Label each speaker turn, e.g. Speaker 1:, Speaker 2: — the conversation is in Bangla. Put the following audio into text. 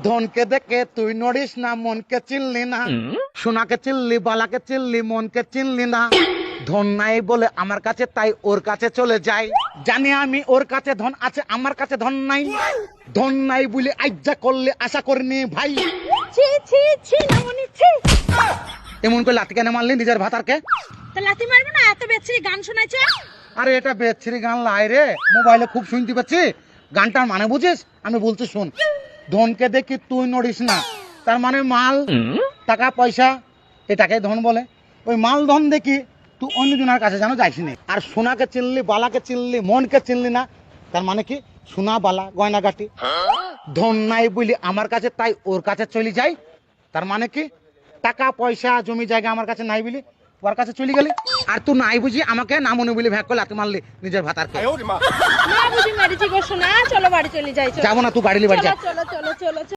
Speaker 1: ধনকে দেখে তুই নড়িস না, মনকে চিনলি না। সোনাকে চিনলি, বালাকে চিনলি, মনকে চিনলি না। ধন নাই বলে আমার কাছে, তাই ওর কাছে চলে যাই। জানি আমি ওর কাছে ধন আছে, আমার কাছে ধন নাই। ধন নাই বলে আজ্জা করলে আশা করিনি ভাই।
Speaker 2: ছি ছি ছি নামনি ছি।
Speaker 1: এমন করে লাথি কেন মারলি নিজের ভাতারকে?
Speaker 2: তা লাথি মারবে না, এত বেচ্ছিরি গান শোনাইছে।
Speaker 1: আরে এটা বেচ্ছিরি গান লাই রে, মোবাইলে খুব শুনতে পাচ্ছি। গানটার মানে বুঝিস? আমি বলছি শোন। ধনকে দেখি তুই নড়িস না, তার মানে মাল, টাকা পয়সা, এটাকে ধন বলে। ওই মাল ধন দেখি তুই অন্যজনের কাছে যেন যাইস নি। আর সোনাকে চিনলি, বালাকে চিনলি, মনকে চিনলি না, তার মানে কি? সোনা বালা গয়নাগাটি। ধন নাই বলি আমার কাছে, তাই ওর কাছে চলে যাই, তার মানে কি? টাকা পয়সা জমি জায়গা আমার কাছে নাই বলি ওর কাছে চলে গেলি। আর তুই নাই বুঝি আমাকে না মনে বলি ভ্যাক করে লাথি মারলি নিজের ভাতারকে।
Speaker 2: না বুঝি মেরেছি গো সোনা, চলো বাড়ি চলে যাই।
Speaker 1: যাবো না, তুই গাড়ি নিয়ে বাড়ি যা।
Speaker 2: চলো চলো চলো চলো।